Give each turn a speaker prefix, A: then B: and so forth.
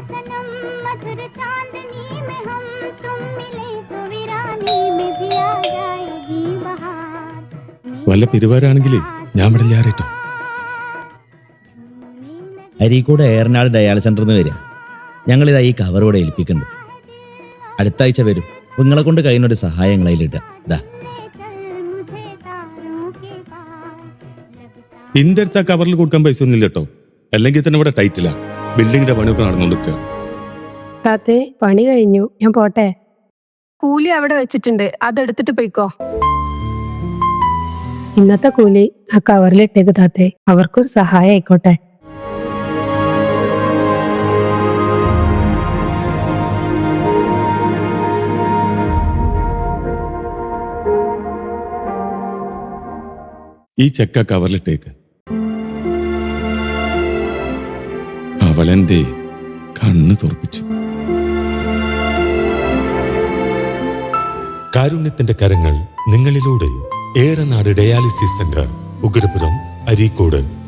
A: വല്ല പിരിവാരാണെങ്കിലേ ഞാൻ വിടില്ലാറേട്ടോ.
B: അരീക്കോട് ഏറനാട് ഡയാലിസ് സെന്ററിൽ നിന്ന് വരിക. ഞങ്ങളിതാ ഈ കവർ ഇവിടെ ഏൽപ്പിക്കുന്നുണ്ട്. അടുത്ത ആഴ്ച വരും. നിങ്ങളെ കൊണ്ട് കഴിയുന്നൊരു സഹായം അതിലിടുക. ഇതാ
A: ഇന്റെ അടുത്ത് ആ കവറിൽ കൊടുക്കാൻ പൈസ ഒന്നുമില്ല കേട്ടോ. അല്ലെങ്കിൽ തന്നെ ഇവിടെ ടൈറ്റിലാ. ബിൽഡിങ്ങിന്റെ പണിയൊക്കെ നടന്നുകൊടുക്കുക.
C: താത്തേ, പണി കഴിഞ്ഞു, ഞാൻ പോട്ടെ.
D: കൂലി അവിടെ വെച്ചിട്ടുണ്ട്, അതെടുത്തിട്ട് പോയിക്കോ.
C: ഇന്നത്തെ കൂലി ആ കവറിലിട്ടേക്ക് താത്തേ, അവർക്കൊരു സഹായം ആയിക്കോട്ടെ.
A: ഈ ചെക്ക കവറിലിട്ടേക്ക്. അവളെന്റെ കണ്ണ് തുറപ്പിച്ചു.
E: കാരുണ്യത്തിന്റെ കരങ്ങൾ നിങ്ങളിലൂടെ. Eranad dialysis centre, Ugrapuram, Areekode.